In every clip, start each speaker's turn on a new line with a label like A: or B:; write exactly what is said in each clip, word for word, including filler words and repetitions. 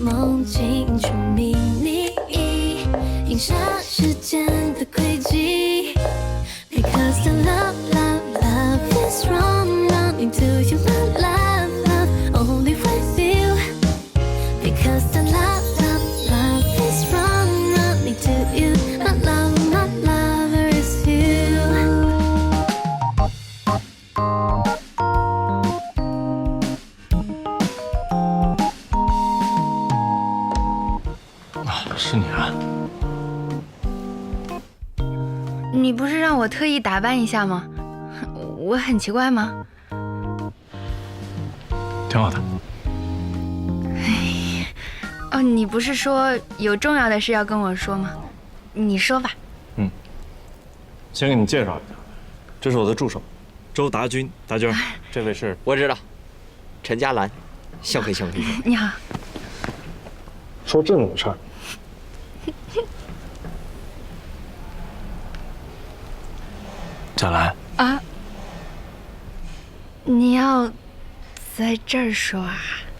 A: 梦境出迷你，映射时间的轨迹。Because the love, love, love is wrong, running to you, my love, love, only with you. Because the love, love, love is wrong, running to you, my love, my lover is you.
B: 啊，是你啊！
C: 你不是让我特意打扮一下吗？我很奇怪吗？
B: 挺好的。
C: 哦，你不是说有重要的事要跟我说吗？你说吧。
B: 嗯，先给你介绍一下，这是我的助手，周达君，达君，这位是
D: 我知道，陈嘉兰，幸会幸会。
C: 你好。
B: 说正经事儿。贾兰
C: 啊，你要在这儿说啊？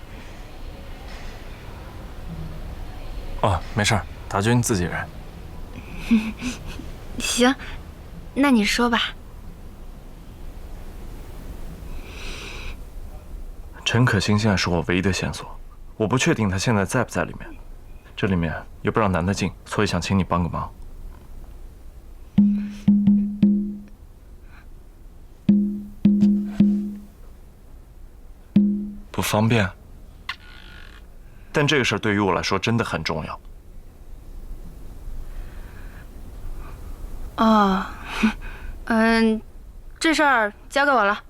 B: 哦，没事儿，达君自己人。
C: 行，那你说吧。
B: 陈可辛现在是我唯一的线索，我不确定他现在在不在里面，这里面又不让男的进，所以想请你帮个忙。不方便，但这个事儿对于我来说真的很重要。
C: 哦，嗯，这事儿交给我了。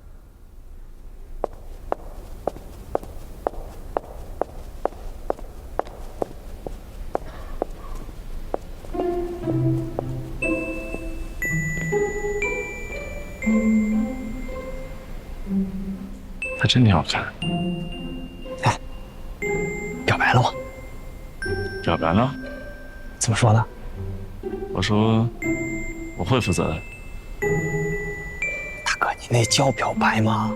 B: 他真挺好看。
E: 哎，表白了吗？
B: 表白了？
E: 怎么说的？
B: 我说我会负责的。
E: 大哥，你那叫表白吗？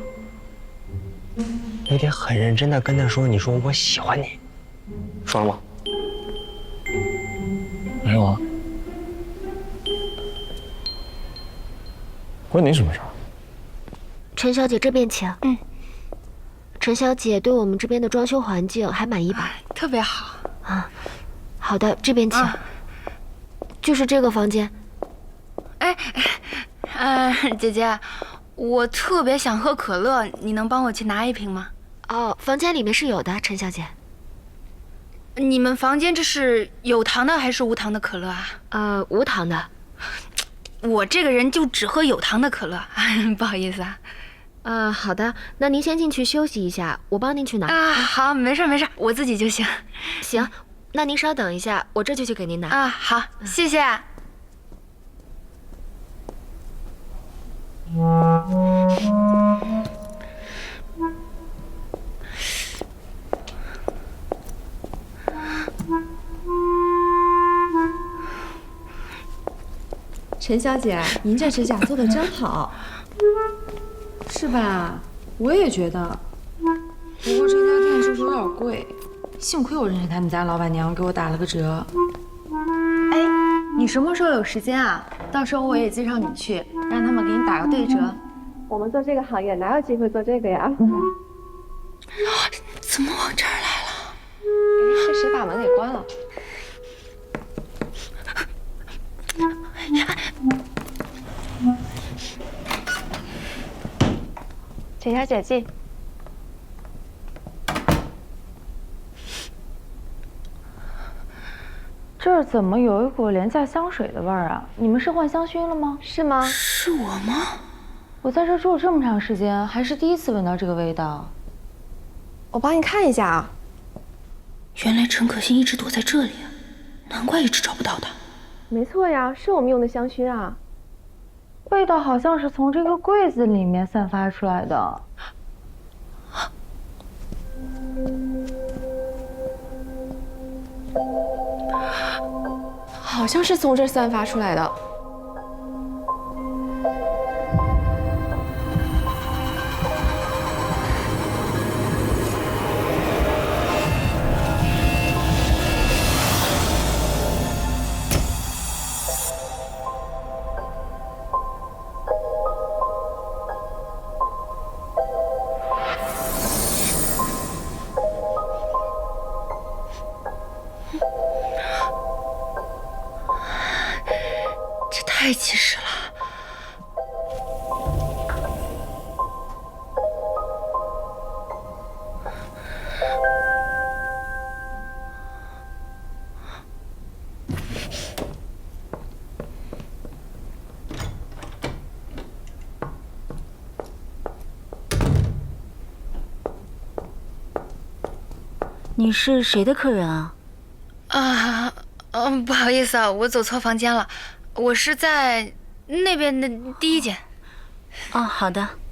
E: 你得很认真的跟他说，你说我喜欢你，说了吗？
B: 没有啊。关你什么事儿？
F: 陈小姐这边请。
C: 嗯。
F: 陈小姐对我们这边的装修环境还满意吧？
C: 特别好
F: 啊。好的，这边请。
C: 啊、
F: 就是这个房间。
C: 哎，呃，姐姐，我特别想喝可乐，你能帮我去拿一瓶吗？
F: 哦，房间里面是有的，陈小姐。
C: 你们房间这是有糖的还是无糖的可乐啊？
F: 呃，无糖的。
C: 我这个人就只喝有糖的可乐，不好意思啊。
F: 呃，好的，那您先进去休息一下，我帮您去拿。
C: 啊，好，没事没事，我自己就行。
F: 行，那您稍等一下，我这就去给您拿。
C: 啊，好，谢谢。
G: 陈小姐，您这指甲做的真好，是吧？我也觉得。不过这家店就是有点贵，幸亏我认识他们家老板娘，给我打了个折。
H: 哎，你什么时候有时间啊？到时候我也介绍你去，让他们给你打个对折。
G: 我们做这个行业哪有机会做这个呀？
C: 怎么往这儿来了？
G: 哎，这谁把门给关了？陈小姐进。
H: 这儿怎么有一股廉价香水的味儿啊？你们是换香薰了吗？
G: 是吗？
C: 是我吗？
H: 我在这住了这么长时间，还是第一次闻到这个味道。
G: 我帮你看一下啊。
C: 原来陈可辛一直躲在这里，难怪一直找不到他。
G: 没错呀，是我们用的香薰啊。
H: 味道好像是从这个柜子里面散发出来的。
G: 好像是从这儿散发出来的。
C: 太及时了。
I: 你是谁的客人啊？
C: 啊，嗯，不好意思啊，我走错房间了，我是在那边的第一间。
I: 哦，好的。